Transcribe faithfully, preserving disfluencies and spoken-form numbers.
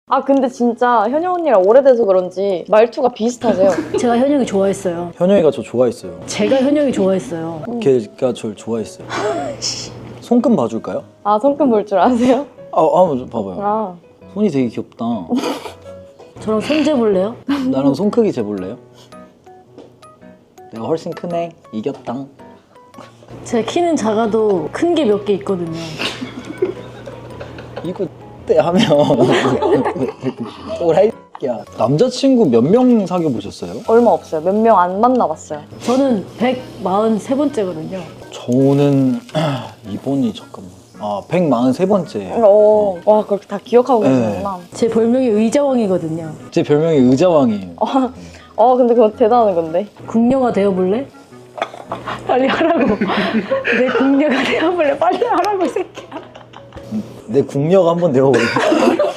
아 근데 진짜 현영 언니랑 오래돼서 그런지 말투가 비슷하세요. 제가 현영이 좋아했어요. 현영이가 저 좋아했어요. 제가 현영이 좋아했어요. 걔가 저를 좋아했어요. 손금 봐줄까요? 아 손금 볼 줄 아세요? 아, 한번 봐봐요. 아 손이 되게 귀엽다. 저랑 손 재볼래요? 나랑 손 크기 재볼래요? 내가 훨씬 크네. 이겼당. 제 키는 작아도 큰 게 몇 개 있거든요. 이거 때 하면 오라이 야 남자친구 몇 명 사귀어 보셨어요? 얼마 없어요. 몇 명 안 만나봤어요. 저는 백사십삼 번째거든요. 저는 이번이 잠깐만 아 백사십삼 번째. 어, 와 그렇게 다 기억하고 네. 계시구나. 제 별명이 의자왕이거든요. 제 별명이 의자왕이에요. 어 근데 그건 대단한 건데. 궁녀가 되어볼래? 빨리 하라고. 내 궁녀가 되어볼래? 빨리 하라고 이 새끼야. 내 궁녀가 한번 되어볼래?